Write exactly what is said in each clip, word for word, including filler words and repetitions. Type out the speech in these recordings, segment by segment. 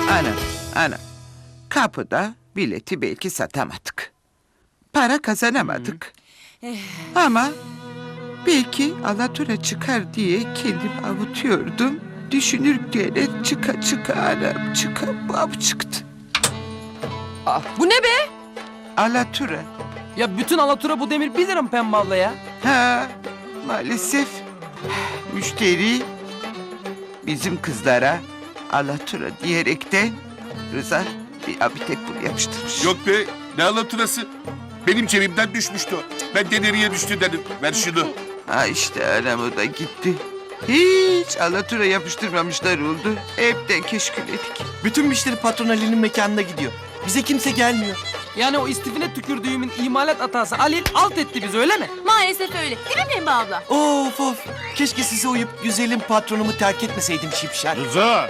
Ana, ana. Kapıda bileti belki satamadık. Para kazanamadık. Ama belki alatura çıkar diye kendimi avutuyordum. Düşünürken çıka çıka anam çıka bab çıktı. Aa, bu ne be? Alatura. Ya bütün Alatura bu demir bir lira mı Pembe abla ya? Ha, maalesef müşteri bizim kızlara alatura diyerekten Rıza bir abitek bul yapıştırmış. Yok be, ne alaturası? Benim cebimden düşmüştü o. Ben de nereye düştü dedim. Ver şunu. Ha işte anam o da gitti. Hiç alatura yapıştırmamışlar oldu. Hepten keşkül edik. Bütün müşteri patron Ali'nin mekanına gidiyor. Bize kimse gelmiyor. Yani o istifine tükürdüğümün imalat hatası Halil alt etti bizi öyle mi? Maalesef öyle. Değil mi Pembe abla? Of of. Keşke size uyup güzelim patronumu terk etmeseydim şipşak. Rıza!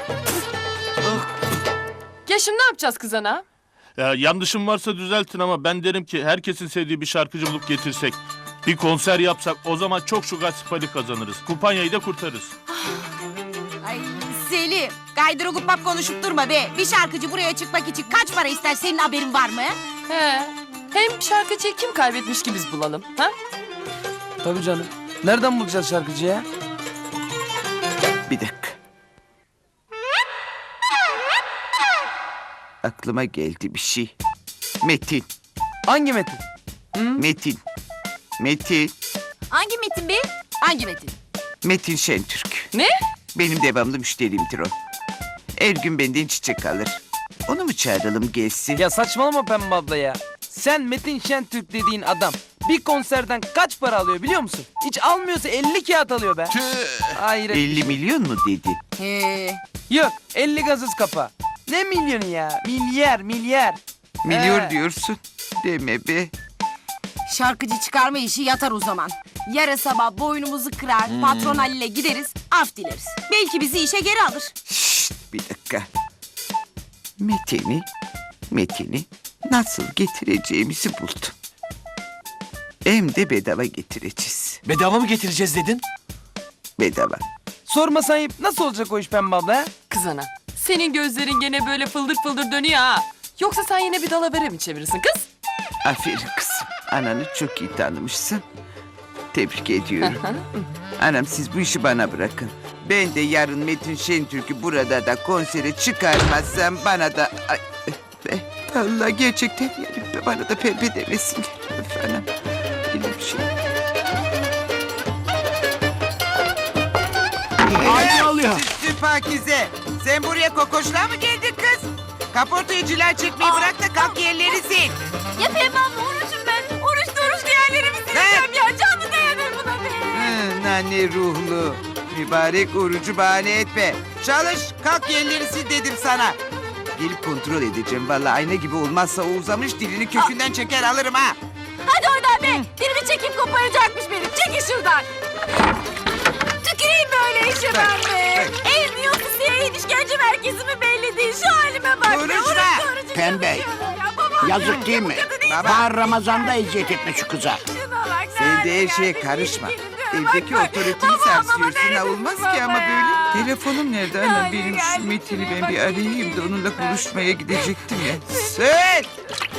Ya şimdi ne yapacağız kız ana? Ya yanlışım varsa düzeltin ama ben derim ki herkesin sevdiği bir şarkıcı bulup getirsek. Bir konser yapsak o zaman çok şugat sipali kazanırız. Kumpanyayı da kurtarırız. Ay Selim, gaydırı gupap konuşup durma be. Bir şarkıcı buraya çıkmak için kaç para ister, senin haberin var mı? He. Hem şarkıcıyı kim kaybetmiş ki biz bulalım? Ha? Tabii canım. Nereden bulacağız şarkıcıyı ya? Bir dakika. Aklıma geldi bir şey. Metin, Hangi Metin? Metin, Metin, Hangi Metin be? Hangi Metin? Metin Şentürk. Ne? Benim devamlı müşterimdir o. Her gün benden çiçek alır. Onu mu çağıralım gelsin? Ya saçmalama Pembe abla ya. Sen Metin Şentürk dediğin adam bir konserden kaç para alıyor biliyor musun? Hiç almıyorsa elli kağıt alıyor be. Hayır. elli milyon mu dedi? He. Yok elli gazız kafa. Ne milyonu ya? Milyar milyar. Milyon He. diyorsun. Deme be. Şarkıcı çıkarma işi yatar o zaman. Yarın sabah boynumuzu kırar, patron Halil'e gideriz, af dileriz. Belki bizi işe geri alır. Şşt, bir dakika. Metin'i, Metin'i nasıl getireceğimizi buldum. Hem de bedava getireceğiz. Bedava mı getireceğiz dedin? Bedava. Sorma ayıp nasıl olacak o iş Pembe abla ya? Kız ana. Senin gözlerin gene böyle fıldır fıldır dönüyor ha. Yoksa sen yine bir dalavere mi çevirirsin kız? Aferin kızım. Ananı çok iyi tanımışsın. Tebrik ediyorum. Anam siz bu işi bana bırakın. Ben de yarın Metin Şentürk'ü burada da konsere çıkarmazsam bana da... Ay, be, Allah gerçekten yani bana da pembe demesinler. Öf anam. Öyle bir şey. Ay alıyor. Süslü Pakize. Sen buraya kokoşluğa mı geldin kız? Kaportayıcılar çekmeyi bırak da kalk yerleri sil. Ya Pembe abla orucum ben. Oruçlu oruçlu yerlerimi sileceğim ya. Canlı dayanır buna be. Hı, nane ruhlu. Mübarek orucu bahane etme. Çalış, kalk yerleri sil dedim sana. Gelip kontrol edeceğim. Vallahi ayna gibi olmazsa o uzamış dilini kökünden çeker alırım ha. Hadi oradan be. Dilimi çekip koparacakmış benim. Çekil şuradan. Tüküreyim böyle işe ben be. Ev yiyorsa siyahın işkence merkezi mi belli değil. Şu halime bak. be. Konuşma. Oruçlu orucu Pembe. yapıyorlar ya. Babam Yazık değil mi? Baba. Daha Ramazan'da eziyet etme şu kıza. şuna bak. Sen de her haline şeye geldi, karışma. ilgili diyor. Evdeki Bak, bak. otoriteyi Baba, baba, sarsıyorsun. Ha neredesin olmaz baba ki ama ya? böyle. Telefonum nerede anam Yani benim geldi şu Metin'i ben bak, bir arayayım da onunla ben- buluşmaya gidecektim ya. Sen!